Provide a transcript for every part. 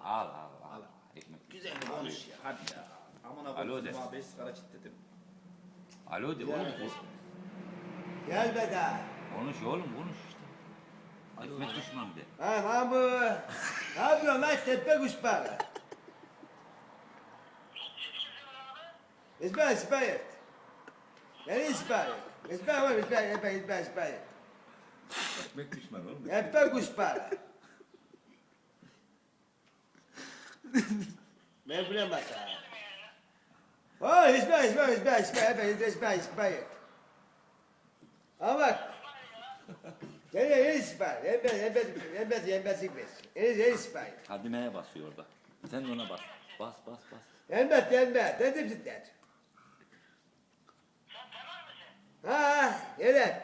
Al al al. Ekmek. Güzel konuş ya hadi ya. Aman Alo abone de. olma 5 sigara çitledim. Alo de oğlum. Gel be daha. Konuş oğlum konuş işte. Ekmek düşman de. Ha Mahmut. Ne yapıyorsun lan tepe kuşbağı? İsmail. Yani İsmail. İsmail. Ekmek düşman oğlum. Tepe kuşbağı. Ben bilemem ha. Oh İsmail. Ama bak. Gel İsmail. Yenmez. İsmail. Hadime'ye basıyor orada. Sen de ona bas. Bas. Yenmez. Dedim cidden. Ha, evet.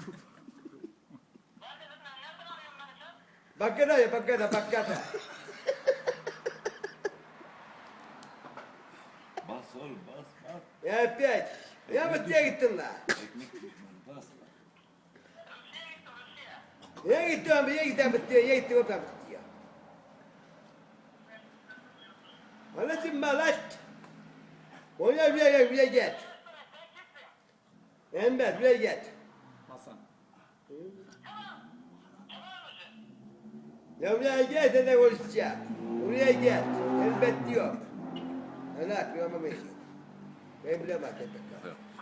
Bakana. Bas oğlum bas. Ya pek. Ya mutluya gittin la. Ekmek düşman bas. Ya gittin mutluya. Anlatayım mı lan? Oraya buraya git. Enver buraya git. Hasan. Ya buraya git de konuşacağım. Buraya git. Elbet diyor. Anlat, bir ama ben bilemem.